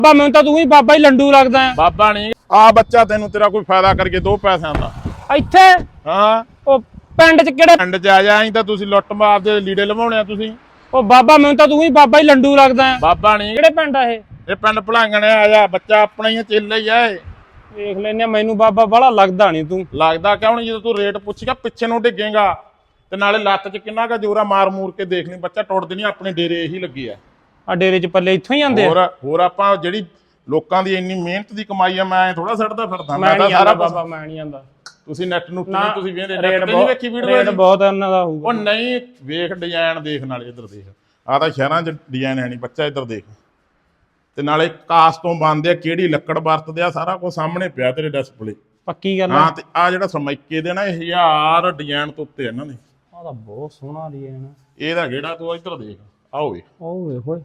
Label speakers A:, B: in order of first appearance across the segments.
A: ਬਾਬਾ ਮੈਨੂੰ ਤਾਂ ਤੂੰ ਹੀ ਬਾਬਾ ਹੀ ਲੰਡੂ ਲੱਗਦਾ ਹੈ।
B: ਬਾਬਾ ਨਹੀਂ ਆ ਬੱਚਾ ਤੈਨੂੰ ਤੇਰਾ ਕੋਈ ਫਾਇਦਾ ਕਰਕੇ 2 ਪੈਸਿਆਂ ਦਾ
A: ਇੱਥੇ
B: ਹਾਂ
A: ਉਹ ਪਿੰਡ 'ਚ ਕਿਹੜੇ
B: ਪਿੰਡ 'ਚ ਆ ਜਾ ਤਾਂ ਤੁਸੀਂ ਲੁੱਟ ਮਾਰ ਦੇ ਲੀੜੇ ਲਵਾਉਣੇ ਆ ਤੁਸੀਂ।
A: ਉਹ ਬਾਬਾ ਮੈਨੂੰ ਤਾਂ ਤੂੰ ਹੀ ਬਾਬਾ ਹੀ ਲੰਡੂ ਲੱਗਦਾ ਹੈ।
B: ਬਾਬਾ ਨਹੀਂ
A: ਕਿਹੜੇ ਪਿੰਡ ਆ
B: ਇਹ ਪਿੰਡ ਭਲਾਂਗਣ ਆ ਜਾ ਬੱਚਾ ਆਪਣਾ ਹੀ ਚੇਲਾ ਹੀ ਆ ਇਹ।
A: ਵੇਖ ਲੈਨੇ ਮੈਨੂੰ ਬਾਬਾ ਬੜਾ ਲੱਗਦਾ ਨਹੀਂ ਤੂੰ।
B: ਲੱਗਦਾ ਕਿਉਂ ਨਹੀਂ? ਜਦੋਂ ਤੂੰ ਰੇਟ ਪੁੱਛੇਗਾ ਪਿੱਛੇ ਨੂੰ ਡਿੱਗੇਗਾ ਤੇ ਨਾਲੇ ਲੱਤ 'ਚ ਕਿੰਨਾ ਕਾ ਜੋਰਾ ਮਾਰ ਮੂਰ ਕੇ ਦੇਖ ਲਈ ਬੱਚਾ ਟੁੱਟਦੇ ਨਹੀਂ। ਆਪਣੇ ਡੇਰੇ ਇਹੀ ਲੱਗੇ ਆ
A: ਡੇਰੇ 'ਚ ਪੱਲੇ ਇੱਥੋਂ ਹੀ ਆਉਂਦੇ ਆ।
B: ਹੋਰ ਆਪਾਂ ਜਿਹੜੀ ਲੋਕਾਂ ਦੀ ਇੰਨੀ ਮਿਹਨਤ ਦੀ ਕਮਾਈ ਆ ਮੈਂ ਥੋੜਾ ਛੱਡਦਾ ਫਿਰਦਾ।
A: ਮੈਂ ਤਾਂ ਸਾਰਾ ਬਾਬਾ ਮੈਂ ਨਹੀਂ ਆਂਦਾ।
B: ਤੁਸੀਂ ਨੈਟ ਨੂੰ ਤੁਸੀਂ ਵੇਖਦੇ
A: ਰੇਟ ਬਹੁਤ ਇਹਨਾਂ ਦਾ ਹੋਊਗਾ।
B: ਉਹ ਨਹੀਂ ਵੇਖ ਡਿਜ਼ਾਈਨ ਦੇਖ ਨਾਲੇ ਇੱਧਰ ਦੇਖ ਆ ਤਾਂ ਸ਼ਹਿਰਾਂ 'ਚ ਡਿਜ਼ਾਈਨ ਹੈ ਨਹੀਂ ਬੱਚਾ ਇੱਧਰ ਦੇਖ ਤੇ ਨਾਲੇ ਕਾਸ ਤੋਂ ਬਣਦੇ ਆ ਕਿਹੜੀ ਲੱਕੜ ਵਰਤਦੇ ਆ ਸਾਰਾ ਕੁਝ ਸਾਹਮਣੇ ਪਿਆ ਤੇਰੇ ਡਿਸਪਲੇ।
A: ਪੱਕੀ ਗੱਲ
B: ਹਾਂ ਤੇ ਆ ਜਿਹੜਾ ਸਰਮਾਈਕੇ ਦੇ ਨਾ 1000 ਡਿਜ਼ਾਈਨ ਤੋਂ ਉੱਤੇ ਇਹਨਾਂ ਨੇ।
A: ਆ ਤਾਂ ਬਹੁਤ ਸੋਹਣਾ ਡਿਜ਼ਾਈਨ
B: ਇਹਦਾ ਕਿਹੜਾ ਤੂੰ ਇੱਧਰ ਦੇਖ ਆਓ ਵੇ
A: ਉਹ ਵੇਖ ਓਏ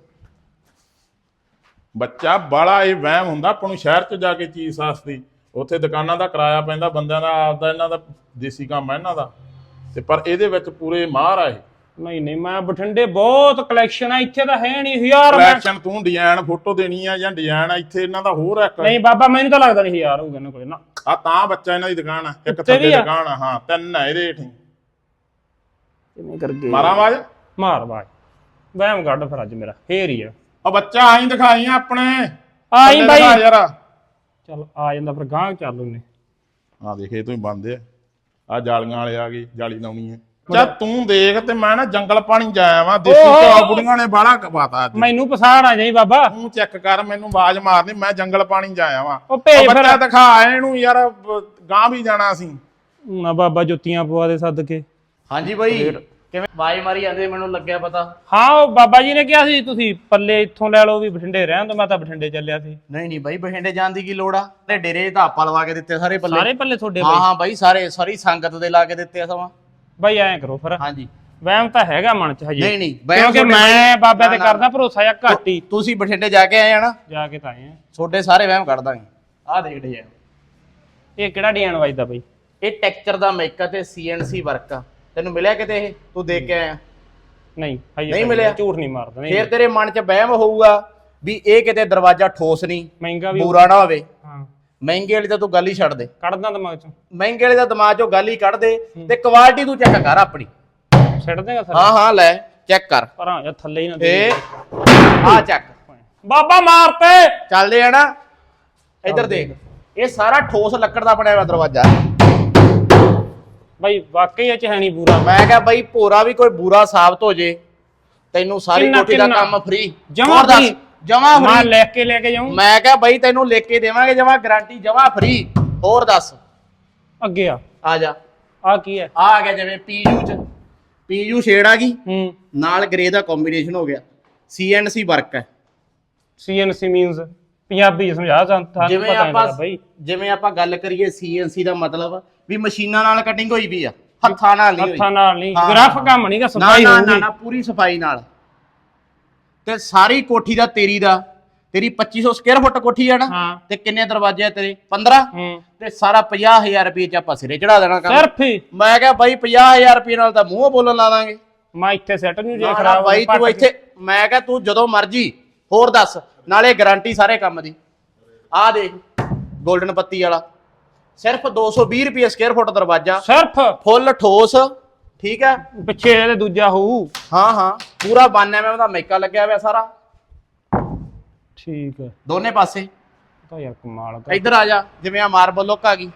B: ਬੱਚਾ ਬਾਲਾ ਇਹ ਵਹਿਮ ਹੁੰਦਾ ਆਪਾਂ ਨੂੰ ਸ਼ਹਿਰ 'ਚ ਜਾ ਕੇ ਚੀਜ਼ ਸਸਤੀ ਉੱਥੇ ਦੁਕਾਨਾਂ ਦਾ ਕਿਰਾਇਆ ਪੈਂਦਾ ਬੰਦਿਆਂ ਦਾ ਆਪਦਾ ਇਹਨਾਂ ਦਾ ਦੇਸੀ ਕੰਮ ਹੈ ਇਹਨਾਂ ਦਾ ਤੇ ਪਰ ਇਹਦੇ ਵਿੱਚ ਪੂਰੇ ਮਾਹਰ ਆ ਇਹ।
A: ਨਹੀਂ ਮੈਂ ਬਠਿੰਡੇ ਬਹੁਤ ਕਲੈਕਸ਼ਨ ਆ ਇੱਥੇ ਤਾਂ ਹੈ ਨਹੀਂ 1000
B: ਕਲੈਕਸ਼ਨ ਤੂੰ ਡਿਜ਼ਾਈਨ ਫੋਟੋ ਦੇਣੀ ਆ ਜਾਂ ਡਿਜ਼ਾਈਨ ਆ ਇੱਥੇ ਇਹਨਾਂ ਦਾ ਹੋਰ ਇੱਕ
A: ਨਹੀਂ ਬਾਬਾ ਮੈਨੂੰ ਤਾਂ ਲੱਗਦਾ ਨਹੀਂ 1000 ਹੋਊਗਾ ਇਹਨਾਂ ਕੋਲੇ ਨਾ।
B: ਆ ਤਾਂ ਬੱਚਾ ਇਹਨਾਂ ਦੀ ਦੁਕਾਨ ਆ ਇੱਕ ਥੱਲੇ ਦੁਕਾਨ ਆ ਹਾਂ 3 ਆ ਇਹਦੇ ਹੇਠ
A: ਕਿਵੇਂ ਕਰਕੇ
B: ਮਾਰਾਂ ਆਵਾਜ਼
A: ਮਾਰ ਬਾਜ ਵਹਿਮ ਕੱਢ ਫਿਰ ਅੱਜ ਮੇਰਾ ਫੇਰ ਹੀ ਆ।
B: ਉਹ ਬੱਚਾ ਆਈ ਦਿਖਾਈ ਆਪਣੇ
A: ਆਈ ਬਾਈ
B: ਯਾਰ
A: ਚੱਲ ਆ ਜਾਂਦਾ ਫਿਰ ਗਾਂਹ ਚੱਲ ਉਹਨੇ
B: ਆ ਦੇਖੇ ਤੂੰ ਬੰਦੇ ਆ ਜਾਲੀਆਂ ਵਾਲੇ ਆ ਗਏ ਜਾਲੀ ਲਾਉਣੀ ਹੈ। ਚੱਲ ਤੂੰ ਦੇਖ ਤੇ ਮੈਂ ਨਾ ਜੰਗਲ ਪਾਣੀ ਜਾਇਆ ਵਾਂ ਦੇਸੀ ਘਿਓ ਬੁੜੀਆਂ ਨੇ ਬਾਹਲਾ ਕਪਾਤਾ
A: ਮੈਨੂੰ ਪਛਾਣ ਆ ਜਾਈ ਬਾਬਾ।
B: ਤੂੰ ਚੈੱਕ ਕਰ ਮੈਨੂੰ ਆਵਾਜ਼ ਮਾਰਨੀ ਮੈਂ ਜੰਗਲ ਪਾਣੀ ਜਾਇਆ ਵਾਂ।
A: ਉਹ ਭੇਜ ਫਿਰ
B: ਬੱਚਾ ਦਿਖਾ ਇਹਨੂੰ ਯਾਰ ਗਾਂ ਵੀ ਜਾਣਾ ਸੀ
A: ਨਾ ਬਾਬਾ ਜੁੱਤੀਆਂ ਪਵਾ ਦੇ ਸੱਦ ਕੇ।
C: ਹਾਂਜੀ ਬਾਈ ਕਿਵੇਂ ਆਵਾਜ਼ ਮਾਰੀ ਜਾਂਦੇ ਮੈਨੂੰ ਲੱਗਿਆ ਪਤਾ।
A: ਹਾਂ ਉਹ ਬਾਬਾ ਜੀ ਨੇ ਕਿਹਾ ਸੀ ਤੁਸੀਂ ਪੱਲੇ ਇੱਥੋਂ ਲੈ ਲਓ ਵੀ ਬਠਿੰਡੇ ਰਹਿਣ ਤੋਂ ਮੈਂ ਤਾਂ ਬਠਿੰਡੇ ਚੱਲਿਆ ਸੀ।
C: ਨਹੀਂ ਬਾਈ ਬਠਿੰਡੇ ਜਾਣ ਦੀ ਕੀ ਲੋੜ ਆ ਤੇ ਡੇਰੇ ਤਾਂ ਆਪਾਂ ਲਵਾ ਕੇ ਦਿੱਤੇ ਸਾਰੇ ਪੱਲੇ।
A: ਸਾਰੇ ਪੱਲੇ ਤੁਹਾਡੇ
C: ਹਾਂ ਬਾਈ ਸਾਰੀ ਸੰਗਤ ਦੇ ਲਾ ਕੇ ਦਿੱਤੇ ਆ ਸਮਾਂ।
A: ਬਾਈ ਐਂ ਕਰੋ ਫਿਰ
C: ਹਾਂਜੀ
A: ਵਹਿਮ ਤਾਂ ਹੈਗਾ ਮਨ ਚ ਹਜੇ
C: ਨਹੀਂ
A: ਕਿਉਂਕਿ ਮੈਂ ਬਾਬੇ ਤੇ ਕਰਦਾ ਭਰੋਸਾ ਜਾਂ ਘੱਟ ਹੀ।
C: ਤੁਸੀਂ ਬਠਿੰਡੇ ਜਾ ਕੇ ਆਏ ਆ ਨਾ
A: ਜਾ ਕੇ ਤਾਂ ਆਏ ਆ
C: ਛੋਟੇ ਸਾਰੇ ਵਹਿਮ ਕੱਢ ਦਾਂਗੇ। ਆਹ ਦੇਖ ਡਿਜ਼ਾਈਨ
A: ਇਹ ਕਿਹੜਾ ਡਿਜ਼ਾਈਨ ਵੱਜਦਾ ਬਾਈ?
C: ਇਹ ਟੈਕਸਚਰ ਦਾ ਮੇਕਅਪ ਤੇ CNC ਵਰਕ ਆ। ਤੈਨੂੰ ਮਿਲਿਆ ਕਿਤੇ ਇਹ ਤੂੰ ਦੇਖ ਕੇ ਆਇਆ?
A: ਨਹੀਂ
C: ਨਹੀਂ ਮਿਲਿਆ
A: ਝੂਠ ਨਹੀਂ ਮਾਰਦਾ। ਨਹੀਂ
C: ਫੇਰ ਤੇਰੇ ਮਨ 'ਚ ਵਹਿਮ ਹੋਊਗਾ ਵੀ ਇਹ ਕਿਤੇ ਦਰਵਾਜ਼ਾ ਠੋਸ ਨਹੀਂ
A: ਮਹਿੰਗਾ ਵੀ
C: ਬੂਰਾ ਨਾ ਹੋਵੇ।
A: ਹਾਂ
C: ਮਹਿੰਗੇ ਵਾਲੀ ਤਾਂ ਤੂੰ ਗੱਲ ਹੀ ਛੱਡ ਦੇ।
A: ਕੱਢਦਾ ਦਿਮਾਗ ਚੋਂ
C: ਮਹਿੰਗੇ ਵਾਲੇ ਦਾ ਦਿਮਾਗ ਚੋਂ ਗੱਲ ਹੀ ਕੱਢ ਦੇ ਤੇ ਕੁਆਲਿਟੀ ਤੂੰ ਚੈੱਕ ਕਰ ਆਪਣੀ।
A: ਛੱਡ ਦੇਗਾ ਸਰ?
C: ਹਾਂ ਲੈ ਚੈੱਕ ਕਰ
A: ਪਰ ਆ ਥੱਲੇ ਹੀ ਨਾ
C: ਤੇ ਆ ਚੱਕ
A: ਬਾਬਾ ਮਾਰਤੇ
C: ਚੱਲਦੇ ਆ ਨਾ। ਇੱਧਰ ਦੇਖ ਇਹ ਸਾਰਾ ਠੋਸ ਲੱਕੜ ਦਾ ਬਣਿਆ ਹੋਇਆ ਦਰਵਾਜ਼ਾ।
A: ਬਾਈ ਵਾਕਈ ਇਹ ਚ ਹੈ ਨਹੀਂ ਬੂਰਾ।
C: ਮੈਂ ਕਿਹਾ ਬਾਈ ਭੋਰਾ ਵੀ ਕੋਈ ਬੂਰਾ ਸਾਬਤ ਹੋ ਜੇ ਤੈਨੂੰ ਸਾਰੀ ਕੋਠੀ ਦਾ ਕੰਮ ਫ੍ਰੀ
A: ਜਮਾ ਫ੍ਰੀ
C: ਜਮਾ
A: ਮੈਂ
C: ਫ੍ਰੀ
A: ਲੈ ਕੇ ਜਾਊਂ।
C: ਮੈਂ ਕਿਹਾ ਬਾਈ ਤੈਨੂੰ ਲਿਖ ਕੇ ਦੇਵਾਂਗੇ ਜਮਾ ਗਾਰੰਟੀ ਜਮਾ ਫ੍ਰੀ। ਹੋਰ ਦੱਸ
A: ਅੱਗੇ
C: ਆ ਜਾ।
A: ਆ ਕੀ ਹੈ?
C: ਆ ਗਿਆ ਜਿਵੇਂ ਪੀਯੂ ਸ਼ੇਡ ਆ ਗਈ ਨਾਲ ਗ੍ਰੇ ਦਾ ਕੰਬੀਨੇਸ਼ਨ ਹੋ ਗਿਆ। CNC ਵਰਕ ਹੈ।
A: CNC ਮੀਨਸ ਪੰਜਾਬੀ ਸਮਝਾ ਸਾਨੂੰ
C: ਜਿਵੇਂ ਆਪਾਂ ਗੱਲ ਕਰੀਏ CNC ਦਾ ਮਤਲਬ ਵੀ ਮਸ਼ੀਨਾਂ ਨਾਲ ਕਟਿੰਗ ਹੋਈ ਵੀ ਆ ਹੱਥਾਂ ਨਾਲ ਨਹੀਂ
A: ਹੱਥਾਂ ਨਾਲ ਨਹੀਂ ਗ੍ਰਾਫ ਕੰਮ ਨਹੀਂਗਾ ਸਫਾਈ ਹੋਊਗੀ
C: ਨਾ ਪੂਰੀ ਸਫਾਈ ਨਾਲ। ਤੇ ਸਾਰੀ ਕੋਠੀ ਦਾ ਤੇਰੀ 2500 ਸਕੁਅਰ ਫੁੱਟ ਕੋਠੀ ਆ ਨਾ ਤੇ ਕਿੰਨੇ ਦਰਵਾਜ਼ੇ ਆ ਤੇਰੇ 15 ਤੇ ਸਾਰਾ 50000 ਰੁਪਏ ਚ ਆਪਾਂ ਸਿਰੇ ਚੜਾ ਦੇਣਾ ਕੰਮ
A: ਸਿਰਫ ਹੀ।
C: ਮੈਂ ਕਿਹਾ ਬਾਈ 50000 ਰੁਪਏ ਨਾਲ ਤਾਂ ਮੂੰਹ ਬੋਲਣ ਲਾ ਦਾਂਗੇ।
A: ਮੈਂ ਇੱਥੇ ਸੈੱਟ ਨੂੰ ਜੇ ਖਰਾਬ
C: ਬਾਈ ਤੂੰ ਇੱਥੇ ਮੈਂ ਕਿਹਾ ਤੂੰ ਜਦੋਂ ਮਰਜੀ ਹੋਰ ਦੱਸ ਨਾਲੇ ਗਾਰੰਟੀ ਸਾਰੇ ਕੰਮ ਦੀ। ਆਹ ਦੇਖ 골ਡਨ ਪੱਤੀ ਵਾਲਾ ਸਿਰਫ 220 ਰੁਪਏ ਸਕੁਅਰ ਫੁੱਟ ਦਰਵਾਜ਼ਾ
A: ਸਿਰਫ
C: ਫੁੱਲ ਠੋਸ ਠੀਕ ਹੈ।
A: ਪਿੱਛੇ ਇਹਦੇ ਦੂਜਾ ਹੋਊ।
C: ਹਾਂ ਪੂਰਾ 92 mm ਦਾ ਮੇਕਾ ਲੱਗਿਆ ਹੋਇਆ ਸਾਰਾ
A: ਠੀਕ ਹੈ
C: ਦੋਨੇ ਪਾਸੇ।
A: ਤਾਂ ਯਾਰ ਕਮਾਲ
C: ਇੱਧਰ ਆ ਜਾ ਜਿਵੇਂ ਆ ਮਾਰਬਲ ਲੁੱਕ ਆ ਗਈ।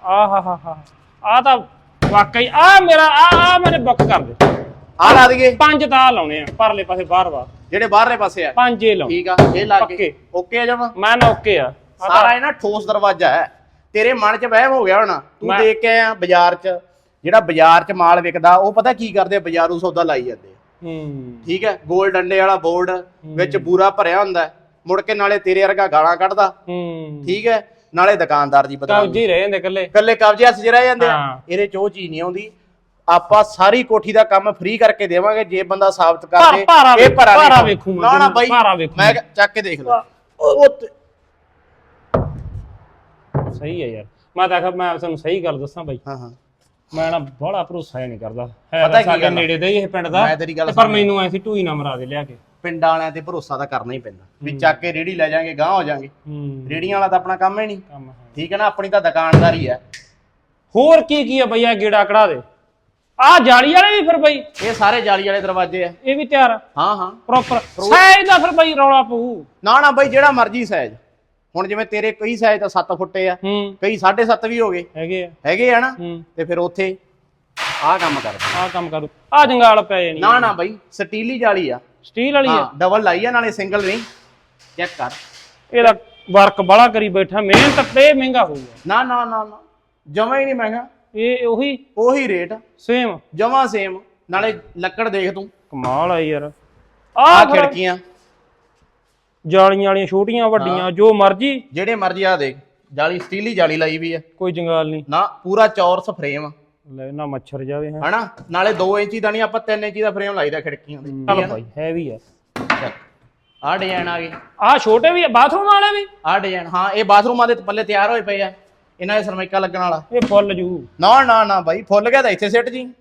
A: ਆ ਤਾਂ ਵਾਕਈ ਆ ਮੇਰਾ ਆ ਮੇਰੇ ਬੁੱਕ ਕਰ ਦੇ।
C: ਆ ਲਾ ਦਈਏ
A: 5 ਤਾਂ ਲਾਉਣੇ ਆ ਪਰਲੇ ਪਾਸੇ ਬਾਹਰ
C: ਜਿਹੜੇ ਬਾਹਰਲੇ ਪਾਸੇ ਆ
A: 5 ਇਹ ਲਾਉਣੇ।
C: ਠੀਕ ਆ ਇਹ ਲਾ ਕੇ ਓਕੇ ਆ ਜਾਵਾਂ
A: ਮੈਂ ਨਾ ਓਕੇ ਆ।
C: ਸਾਰਾ ਇਹ ਨਾ ਠੋਸ ਦਰਵਾਜ਼ਾ ਹੈ। ਤੇਰੇ ਮਨ 'ਚ ਵਹਿਮ ਹੋ ਗਿਆ ਹੋਣਾ ਤੂੰ ਦੇਖ ਕੇ ਆਇਆ ਬਾਜ਼ਾਰ 'ਚ ਜਿਹੜਾ ਬਾਜ਼ਾਰ 'ਚ ਮਾਲ ਵਿਕਦਾ ਉਹ ਪਤਾ ਕੀ ਕਰਦੇ ਆ ਬਾਜ਼ਾਰੂ ਸੌਦਾ ਲਾਈ ਜਾਂਦੇ ਆ। ਠੀਕ ਹੈ ਗੋਲ ਡੰਡੇ ਵਾਲਾ ਬੋਰਡ ਵਿੱਚ ਬੂਰਾ ਭਰਿਆ ਹੁੰਦਾ ਮੁੜ ਕੇ ਨਾਲੇ ਤੇਰੇ ਵਰਗਾ ਗਾਲਾਂ ਕੱਢਦਾ। ਠੀਕ ਹੈ ਨਾਲੇ ਦੁਕਾਨਦਾਰ ਦੀ ਬਦਨਾਮੀ।
A: ਕਬਜ਼ੇ ਰਹਿ ਜਾਂਦੇ
C: ਕੱਲੇ ਕਬਜ਼ੇ ਹੱਥ 'ਚ ਰਹਿ ਜਾਂਦੇ ਆ। ਇਹਦੇ 'ਚ ਉਹ ਚੀਜ਼ ਨਹੀਂ ਆਉਂਦੀ। ਆਪਾਂ ਸਾਰੀ ਕੋਠੀ ਦਾ ਕੰਮ ਫ੍ਰੀ ਕਰਕੇ ਦੇਵਾਂਗੇ ਜੇ ਬੰਦਾ ਸਾਬਤ ਕਰ ਦੇ ਇਹ ਭਾਰਾ
A: ਵੇਖੂ
C: ਨਾ ਬਾਈ ਮੈਂ ਚੱਕ ਕੇ ਦੇਖ ਲਾ
A: ਸਹੀ ਹੈ ਯਾਰ। ਮੈਂ ਤਾਂ ਆਖਿਆ ਮੈਂ ਤੁਹਾਨੂੰ ਸਹੀ ਗੱਲ ਦੱਸਾਂ ਬਾਈ। ਮੈਂ ਨਾ ਬੜਾ ਭਰੋਸਾ ਨਹੀਂ ਕਰਦਾ ਹੈ ਸਾਡੇ ਨੇੜੇ ਦਾ ਹੀ ਇਹ ਪਿੰਡ ਦਾ ਪਰ ਮੈਨੂੰ ਐਸੀ ਢੂਈ ਨਾ ਮਰਾ ਦੇ ਲਿਆ ਕੇ।
C: ਪਿੰਡਾਂ ਵਾਲਿਆਂ ਤੇ ਭਰੋਸਾ ਤਾਂ ਕਰਨਾ ਹੀ ਪੈਂਦਾ ਵੀ ਚੱਕ ਕੇ ਰੇੜੀ ਲੈ ਜਾਾਂਗੇ ਗਾਂਹ ਹੋ ਜਾਾਂਗੇ। ਰੇੜੀਆਂ ਵਾਲਾ ਤਾਂ ਆਪਣਾ ਕੰਮ ਹੀ ਨਹੀਂ, ਠੀਕ ਹੈ ਨਾ, ਆਪਣੀ ਤਾਂ ਦੁਕਾਨਦਾਰੀ ਹੈ।
A: ਹੋਰ ਕੀ ਆ ਬਈ ਆ ਗੇੜਾ ਕਢਾ ਦੇ। ਆ ਜਾਲੀ ਵਾਲੇ ਵੀ ਫਿਰ ਬਈ
C: ਇਹ ਸਾਰੇ ਜਾਲੀ ਵਾਲੇ ਦਰਵਾਜ਼ੇ ਆ,
A: ਇਹ ਵੀ ਤਿਆਰ?
C: ਹਾਂ
A: ਪ੍ਰੋਪਰ ਸਾਈਜ਼ ਦਾ ਫਿਰ ਬਈ ਰੌਲਾ ਪਊ? ਨਾ
C: ਬਈ ਜਿਹੜਾ ਮਰਜ਼ੀ ਸਾਈਜ਼। ਹੁਣ ਜਿਵੇਂ ਤੇਰੇ ਕਈ ਸਾਈਜ਼ ਤਾਂ 7 ਫੁੱਟੇ ਆ, ਕਈ 7.5 ਵੀ ਹੋ ਗਏ ਹੈਗੇ ਆ ਨਾ, ਤੇ ਫਿਰ ਉੱਥੇ ਆਹ ਕੰਮ ਕਰ ਆ ਜੰਗਾਲ ਪੈ ਜਾਣੀ। ਨਾ ਬਈ ਸਟੀਲੀ ਜਾਲੀ ਆ, ਸਟੀਲ ਵਾਲੀ ਆ, ਡਬਲ ਲਾਈ ਆ, ਨਾਲੇ ਸਿੰਗਲ ਨਹੀਂ। ਚੈੱਕ ਕਰ, ਇਹਦਾ ਵਰਕ ਬੜਾ ਕਰੀ ਬੈਠਾ, ਮਿਹਨਤ ਤੇ ਮਹਿੰਗਾ ਹੋਊਗਾ। ਨਾ ਜਮਾ ਹੀ ਨਹੀਂ ਮਹਿੰਗਾ, ਇਹ ਉਹੀ ਰੇਟ ਸੇਮ, ਜਮਾ ਸੇਮ। ਨਾਲੇ ਲੱਕੜ ਦੇਖ ਤੂੰ, ਕਮਾਲ ਆ ਯਾਰ। ਆ ਖਿੜਕੀਆਂ ਜਾਲੀਆਂ ਵਾਲੀਆਂ ਛੋਟੀਆਂ ਵੱਡੀਆਂ ਜੋ ਮਰਜੀ, ਜਿਹੜੇ ਮਰਜੀ। ਆ ਦੇਖ ਜਾਲੀ, ਸਟੀਲੀ ਜਾਲੀ ਲਾਈ ਵੀ ਆ, ਕੋਈ ਜੰਗਾਲ ਨਹੀਂ ਨਾ, ਪੂਰਾ ਚੌਰਸ ਫਰੇਮ ਲੈ ਨਾ, ਮੱਛਰ ਜਾਵੇ ਹਨਾ। ਨਾਲੇ 2 ਇੰਚੀ ਦਾ ਨਹੀਂ, ਆਪਾਂ 3 ਇੰਚੀ ਦਾ ਫਰੇਮ ਲਾਈਦਾ ਖਿੜਕੀਆਂ ਦੇ। ਚਲ ਭਾਈ ਹੈਵੀ ਆ। ਆ ਡਿਜ਼ਾਈਨ ਆ ਗਏ, ਆ ਛੋਟੇ ਵੀ ਆ, ਬਾਥਰੂਮ ਵਾਲੇ ਵੀ ਆ ਡਿਜ਼ਾਈਨ। ਹਾਂ ਇਹ ਬਾਥਰੂਮਾਂ ਦੇ ਪੱਲੇ ਤਿਆਰ ਹੋਏ ਪਏ ਆ, ਇਹਨਾਂ ਦੇ ਸਰਮਾਈਕਾ ਲੱਗਣ ਵਾਲਾ। ਇਹ ਫੁੱਲ ਜੂ? ਨਾ ਬਾਈ, ਫੁੱਲ ਗਿਆ ਤਾਂ ਇੱਥੇ ਸਿੱਟ ਜੀ,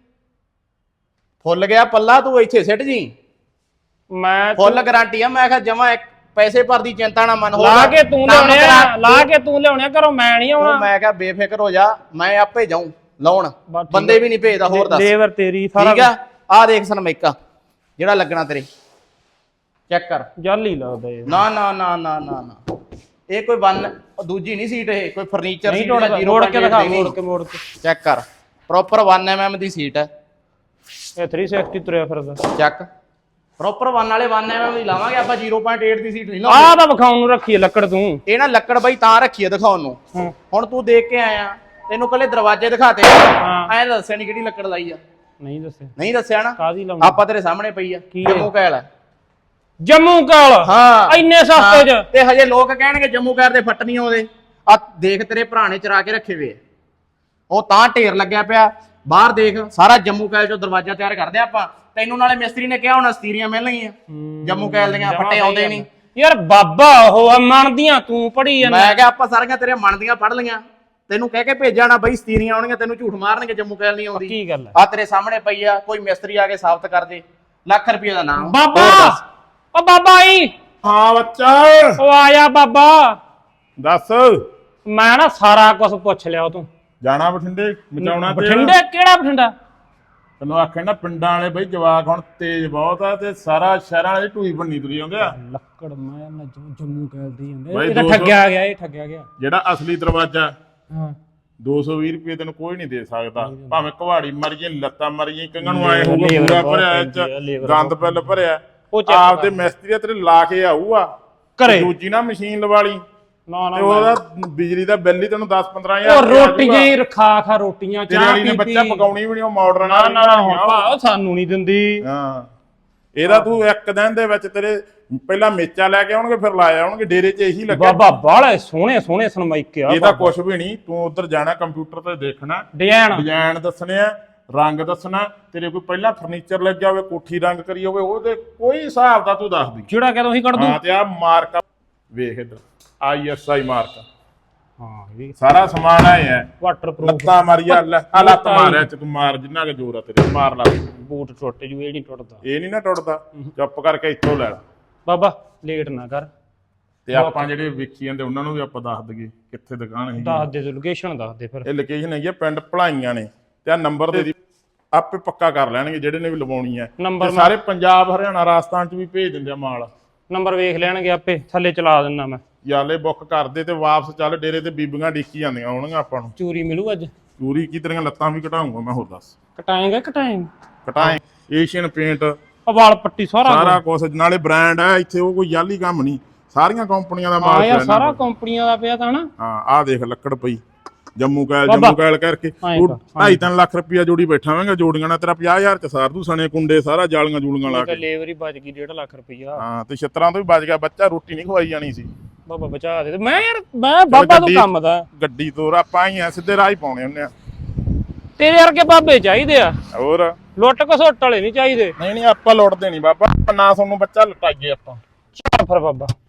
C: ਫੁੱਲ ਗਿਆ ਪੱਲਾ, ਤੂੰ ਇੱਥੇ ਸਿੱਟ ਜੀ। ਮੈਂ ਫੁੱਲ ਗਾਰੰਟੀ ਆ। ਮੈਂ ਕਿਹਾ ਜਮਾ ਪੈਸੇ ਭਰ ਦੀ ਚਿੰਤਾ ਨਾ ਮਨ, ਲਾ ਕੇ ਤੂੰ ਲਿਆਉਣਿਆ ਘਰੋਂ, ਮੈਂ ਨਹੀਂ ਆਉਣਾ। ਮੈਂ ਕਿਹਾ ਬੇਫਿਕਰ ਹੋ ਜਾ, ਮੈਂ ਆਪੇ ਜਾਊਂ ਲਾਉਣ, ਬੰਦੇ ਵੀ ਨਹੀਂ ਭੇਜਦਾ। ਹੋਰ ਦੱਸ, ਲੇਬਰ ਤੇਰੀ ਸਾਰਾ ਠੀਕ ਆ। ਆ ਦੇਖ ਸਰਮਾਈਕਾ ਜਿਹੜਾ ਲੱਗਣਾ ਤੇਰੇ, ਚੈੱਕ ਕਰ, ਜਾਲੀ ਲੱਗਦਾ ਇਹ। ਨਾ ਇਹ ਕੋਈ ਦੂਜੀ ਨਹੀਂ ਸੀਟ, ਇਹ ਕੋਈ ਫਰਨੀਚਰ ਸੀਟ ਹੈ। ਮੋੜ ਕੇ ਦਿਖਾ, ਮੋੜ ਕੇ ਚੈੱਕ ਕਰ, ਪ੍ਰੋਪਰ 1 mm ਦੀ ਸੀਟ ਹੈ। ਇਹ 360 ਤੁਰਿਆ ਫਿਰਦਾ, ਚੱਕ ਪ੍ਰੋਪਰ 1 ਵਾਲੇ 1 mm ਦੀ ਲਾਵਾਂਗੇ ਆਪਾਂ, 0.8 ਦੀ ਸੀਟ ਨਹੀਂ ਲਾਉਂਦੇ। ਆਹ ਤਾਂ ਵਿਖਾਉਣ ਨੂੰ ਰੱਖੀ ਹੈ ਲੱਕੜ ਤੂੰ, ਇਹ ਨਾ ਲੱਕੜ ਬਾਈ ਤਾਂ ਰੱਖੀ ਹੈ ਦਿਖਾਉਣ ਨੂੰ। ਹੁਣ ਤੂੰ ਦੇਖ ਕੇ ਆਇਆ, ਤੈਨੂੰ ਕੱਲੇ ਦਰਵਾਜ਼ੇ ਦਿਖਾਤੇ, ਐਂ ਦੱਸਿਆ ਨਹੀਂ ਕਿਹੜੀ ਲੱਕੜ ਲਾਈ ਆ। ਨਹੀਂ ਦੱਸਿਆ ਨਾ, ਆਪਾਂ ਤੇਰੇ ਸਾਹਮਣੇ ਪਈ ਆ, ਜੰਮੂ ਕੈਲ ਆ। ਜੰਮੂ ਕੈਲ? ਹਾਂ, ਇੰਨੇ ਸਸਤੇ ਚ। ਤੇ ਹਜੇ ਲੋਕ ਕਹਿਣਗੇ ਜੰਮੂ ਕੈਲ ਦੇ ਫੱਟ ਨਹੀਂ ਆਉਂਦੇ। ਆ ਦੇਖ ਤੇਰੇ ਭਰਾ ਨੇ ਚਰਾ ਕੇ ਰੱਖੇ ਵੇ, ਉਹ ਤਾਂ ਢੇਰ ਲੱਗਿਆ ਪਿਆ ਬਾਹਰ। ਦੇਖ ਸਾਰਾ ਜੰਮੂ ਕੈਲ ਚੋਂ ਦਰਵਾਜ਼ਾ ਤਿਆਰ ਕਰਦੇ ਆਪਾਂ। ਤੈਨੂੰ ਨਾਲੇ ਮਿਸਤਰੀ ਨੇ ਕਿਹਾ ਹੋਣਾ ਸਤੀਰੀਆਂ ਮਿਲਣਗੀਆਂ ਜੰਮੂ ਕੈਲ ਦੀਆਂ, ਫੱਟੇ ਆਉਂਦੇ ਨਹੀਂ ਯਾਰ। ਬਾਬਾ ਉਹ ਮੰਨਦੀਆਂ ਤੂੰ ਪੜੀ ਜਾਂਦਾ। ਮੈਂ ਕਿਹਾ ਆਪਾਂ ਸਾਰੀਆਂ ਤੇਰੇ ਮੰਨਦੀਆਂ ਪੜ ਲਈਆਂ, ਤੈਨੂੰ ਕਹਿ ਕੇ ਭੇਜਿਆ ਨਾ ਬਈ ਸਤੀਰੀਆਂ ਆਉਣਗੀਆਂ, ਤੈਨੂੰ ਝੂਠ ਮਾਰਨਗੇ ਜੰਮੂ ਕੈਲ ਨਹੀਂ ਆਉਂਦੀ। ਕੀ ਗੱਲ ਆ ਤੇਰੇ ਸਾਹਮਣੇ ਪਈ ਆ, ਕੋਈ ਮਿਸਤਰੀ ਆ ਕੇ ਸਾਬਤ ਕਰ ਦੇ। ਲੱਖ ਰੁਪਏ ਦਾ ਨਾਮ। ਬਾਬਾ ਓ ਬਾਬਾ ਆਈ। ਹਾਂ ਬੱਚਾ, ਉਹ ਆਇਆ ਬਾਬਾ। ਦੱਸ। ਮੈਂ ਨਾ ਸਾਰਾ ਕੁਝ ਪੁੱਛ ਲਿਆ ਤੂੰ। ਜਾਣਾ ਬਠਿੰਡੇ ਬਚਾਉਣਾ? ਬਠਿੰਡੇ ਕਿਹੜਾ ਬਠਿੰਡਾ? ਤੈਨੂੰ ਆਖਿਆ ਨਾ ਪਿੰਡਾਂ ਵਾਲੇ ਬਈ ਜਵਾਕ ਹੁਣ ਤੇਜ਼ ਬਹੁਤ ਆ, ਤੇ ਸਾਰਾ ਸ਼ਹਿਰਾਂ ਵਾਲੇ ਢੂਈ ਬੰਨੀ ਤੁਰੀ ਆਉਂਦੇ ਆ। ਲੱਕੜ ਮੈਂ ਨਾ ਜੰਮੂ ਕੈਲ ਦੀ ਜਾਂਦੇ, ਇਹ ਤਾਂ ਠੱਗਿਆ ਗਿਆ, ਇਹ ਠੱਗਿਆ ਗਿਆ। ਜਿਹੜਾ ਅਸਲੀ ਦਰਵਾਜ਼ਾ 220 ਰੁਪਏ ਤੈਨੂੰ ਕੋਈ ਨਹੀਂ ਦੇ ਸਕਦਾ, ਭਾਵੇਂ ਕੁਹਾੜੀ ਮਰ ਜੇ, ਲੱਤਾਂ ਮਰ ਜੇ, ਕੰਗਾਂ ਨੂੰ ਆਏ ਹੋਊਗਾ ਪੂਰਾ ਭਰਿਆ, ਗੰਦ ਪਿੱਲ ਭਰਿਆ। ਆਪ ਤੇ ਮਿਸਤਰੀ ਤੇਰੇ ਲਾ ਕੇ ਆਊਗਾ ਘਰੇ, ਦੂਜੀ ਨਾ ਮਸ਼ੀਨ ਲਵਾ ਲਈ, ਤੇ ਉਹਦਾ ਬਿਜਲੀ ਦਾ ਬਿੱਲ ਹੀ ਤੈਨੂੰ 10-15 ਹਜ਼ਾਰ। ਰੋਟੀਆਂ ਹੀ ਖਾ ਰੋਟੀਆਂ, ਚਾਹ ਪੀ ਬੱਚਾ ਪਕਾਉਣੀ ਵੀ ਨਹੀਂ, ਉਹ ਮਾਡਰਨ ਆ, ਸਾਨੂੰ ਨਹੀਂ ਦਿੰਦੀ। ਹਾਂ, ਇਹਦਾ ਤੂੰ ਇੱਕ ਦਿਨ ਦੇ ਵਿੱਚ ਤੇਰੇ ਪਹਿਲਾਂ ਮੇਚਾ ਲੈ ਕੇ ਆਉਣਗੇ, ਫਿਰ ਲਾਇਆ ਆਉਣਗੇ ਡੇਰੇ 'ਚ। ਇਹੀ ਲੱਗਿਆ ਬਾਬਾ, ਬਾਹਲੇ ਸੋਹਣੇ ਸਰਮਾਈਕੇ ਆ। ਇਹ ਤਾਂ ਕੁਛ ਵੀ ਨਹੀਂ, ਤੂੰ ਉਧਰ ਜਾਣਾ ਕੰਪਿਊਟਰ ਤੇ ਦੇਖਣਾ, ਡਿਜ਼ਾਈਨ ਦੱਸਣੇ ਆ, ਰੰਗ ਦੱਸਣਾ। ਤੇਰੇ ਕੋਈ ਪਹਿਲਾਂ ਫਰਨੀਚਰ ਲੱਗਿਆ ਹੋਵੇ, ਕੋਠੀ ਰੰਗ ਕਰੀ ਹੋਵੇ, ਉਹਦੇ ਕੋਈ ਹਿਸਾਬ ਦਾ ਤੂੰ ਦੱਸ ਦੀ, ਜਿਹੜਾ ਕਹਿੰਦਾ ਉਹੀ ਕੱਢ ਦੂੰ। ਹਾਂ, ਤੇ ਆ ਮਾਰਕਾ ਵੇਖ ਇੱਧਰ, ISI ਮਾਰਕਾ। ਹਾਂ, ਇਹ ਸਾਰਾ ਸਮਾਨ ਆਇਆ ਹੈ, ਵਾਟਰਪ੍ਰੂਫ। ਲੱਤਾਂ ਮਾਰੀਆ, ਲੱਤ ਮਾਰਿਆ ਚ, ਤੂੰ ਮਾਰ ਜਿੰਨਾ ਕਿ ਜ਼ੋਰ ਆ ਤੇਰੇ, ਮਾਰ ਲਾ। ਬੂਟ ਟੁੱਟ ਜੂ, ਇਹ ਨਹੀਂ ਟੁੱਟਦਾ, ਇਹ ਨਹੀਂ ਨਾ ਟੁੱਟਦਾ। ਚੁੱਪ ਕਰਕੇ ਇੱਥੋਂ ਲੈ ਲਾ ਬਾਬਾ, ਲੇਟ ਨਾ ਕਰ। ਤੇ ਆਪਾਂ ਜਿਹੜੇ ਵੇਖੀ ਜਾਂਦੇ ਉਹਨਾਂ ਨੂੰ ਵੀ ਆਪਾਂ ਦੱਸ ਦਈਏ ਕਿੱਥੇ ਦੁਕਾਨ ਹੈ। ਦੱਸ ਦੇ, ਲੋਕੇਸ਼ਨ ਦੱਸ ਦੇ ਫਿਰ। ਇਹ ਲੋਕੇਸ਼ਨ ਹੈਗੀ ਆ ਪਿੰਡ ਭਲਾਈਆਂ ਨੇ, ਤੇ ਆ ਨੰਬਰ ਦੇ ਦੀ ਆਪੇ ਪੱਕਾ ਕਰ ਲੈਣਗੇ ਜਿਹੜੇ ਨੇ ਵੀ ਲਵਾਉਣੀ ਹੈ। ਨੰਬਰ ਸਾਰੇ ਪੰਜਾਬ, ਹਰਿਆਣਾ, ਰਾਜਸਥਾਨ ਚ ਵੀ ਭੇਜ ਦਿੰਦੇ ਆ ਮਾਲ। ਨੰਬਰ ਵੇਖ ਲੈਣਗੇ ਆਪੇ, ਥੱਲੇ ਚਲਾ ਦਿੰਦਾ ਮੈਂ। ਯਾਲੇ ਬੁੱਕ ਕਰਦੇ ਤੇ ਵਾਪਸ ਚੱਲ ਡੇਰੇ ਤੇ, ਬੀਬੀਆਂ ਡੀਕੀ ਜਾਂਦੀਆਂ ਹੋਣਗੀਆਂ ਆਪਾਂ ਨੂੰ। ਚੂਰੀ ਮਿਲੂ ਅੱਜ? ਚੂਰੀ ਕੀ, ਤੇਰੀਆਂ ਲੱਤਾਂ ਵੀ ਘਟਾਉਂਗਾ ਮੈਂ। ਹੋਰ ਦੱਸ, ਕਟਾਏ ਏਸ਼ੀਅਨ ਪੇਂਟ, ਵਾਲ ਪੱਟੀ, ਸਾਰਾ ਕੁਛ। ਨਾਲੇ ਬ੍ਰਾਂਡ ਹੈ ਇੱਥੇ, ਉਹ ਕੋਈ ਯਾਲੀ ਕੰਮ ਨਹੀਂ, ਸਾਰੀਆਂ ਕੰਪਨੀਆਂ ਦਾ ਮਾਲ ਪਿਆ। ਸਾਰਾ ਕੰਪਨੀਆਂ ਦਾ ਪਿਆ ਤਾਂ ਨਾ। ਹਾਂ, ਆਹ ਦੇਖ ਲੱਕੜ ਪਈ, ਜੰਮੂ ਕੈਲ ਕਰਕੇ 2.5-3 ਲੱਖ ਰੁਪਇਆ ਜੋੜੀ ਬੈਠਾ ਹੋਵੇਂਗਾ। ਜੋੜੀਆਂ ਨਾਲ ਤੇਰਾ 50,000 ਚ ਸਾਰ ਦੂ, ਸਣੇ ਕੁੰਡੇ ਸਾਰਾ, ਜਾਲੀਆਂ ਜੂਲੀਆਂ ਲਾ ਕੇ। ਲੇਬਰ ਹੀ ਬਚ ਗਈ 1.5 ਲੱਖ ਰੁਪਇਆ। ਹਾਂ, ਤੇ ਛਿੱਤਰਾਂ ਤੋਂ ਵੀ ਬਚ ਗਿਆ ਬੱਚਾ, ਰੋਟੀ ਨਹੀਂ ਖਵਾਈ ਜਾਣੀ ਸੀ। ਬਾਬਾ ਬਚਾ ਦੇ। ਮੈਂ ਯਾਰ, ਮੈਂ ਬਾਬਾ ਤੋਂ ਕੰਮ ਦਾ ਗੱਡੀ ਤੋਰ, ਆਪਾਂ ਹੀ ਆ ਸਿੱਧੇ ਰਾਹ ਹੀ ਪਾਉਣੇ ਹੁੰਦੇ ਆ। ਤੇਰੇ ਵਰਗੇ ਬਾਬੇ ਚਾਹੀਦੇ ਆ, ਹੋਰ ਲੁੱਟ ਘਸੁੱਟ ਵਾਲੇ ਨਹੀਂ ਚਾਹੀਦੇ। ਨਹੀਂ ਆਪਾਂ ਲੁੱਟਦੇ ਨਹੀਂ ਬਾਬਾ, ਨਾ ਤੁਹਾਨੂੰ ਬੱਚਾ ਲੁਟਾਈਏ ਆਪਾਂ। ਚੱਲ ਫਿਰ ਬਾਬਾ।